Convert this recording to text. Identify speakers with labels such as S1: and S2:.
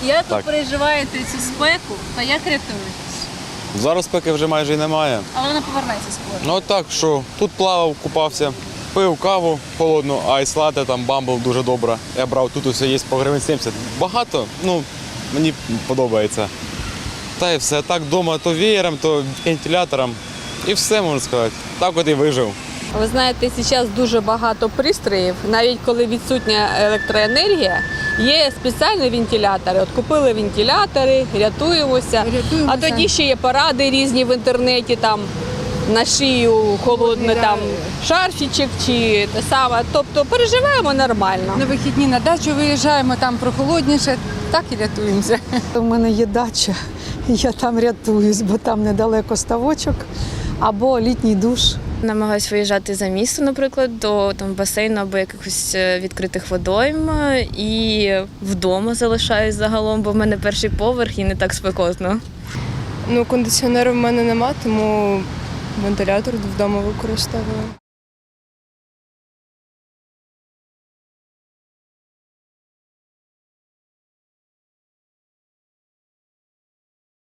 S1: Як ви
S2: Так.
S1: переживаєте цю спеку та як рятуєтесь?
S2: Зараз спеки вже майже і немає.
S1: Але вона повернеться скоро.
S2: Ну так, що тут плавав, купався, пив каву холодну, айс-лате, там бамбл дуже добре. Я брав, тут усе є по гривень 70. Багато, мені подобається. Та й все. Так вдома то веєром, то вентилятором. І все, можна сказати. Так от і вижив.
S3: Ви знаєте, зараз дуже багато пристроїв, навіть коли відсутня електроенергія, є спеціальні вентилятори. От купили вентилятори, рятуємося. А тоді ще є поради різні в інтернеті, там на шию холодний там шарфічок чи те саме. Тобто переживаємо нормально.
S4: На вихідні на дачу виїжджаємо, там прохолодніше, так і рятуємося.
S5: У мене є дача, я там рятуюсь, бо там недалеко ставочок або літній душ.
S6: Намагаюсь виїжджати за місто, наприклад, до басейну або якихось відкритих водойм. І вдома залишаюсь загалом, бо в мене перший поверх і не так спекотно.
S7: Кондиціонеру в мене нема, тому вентилятор вдома використовую.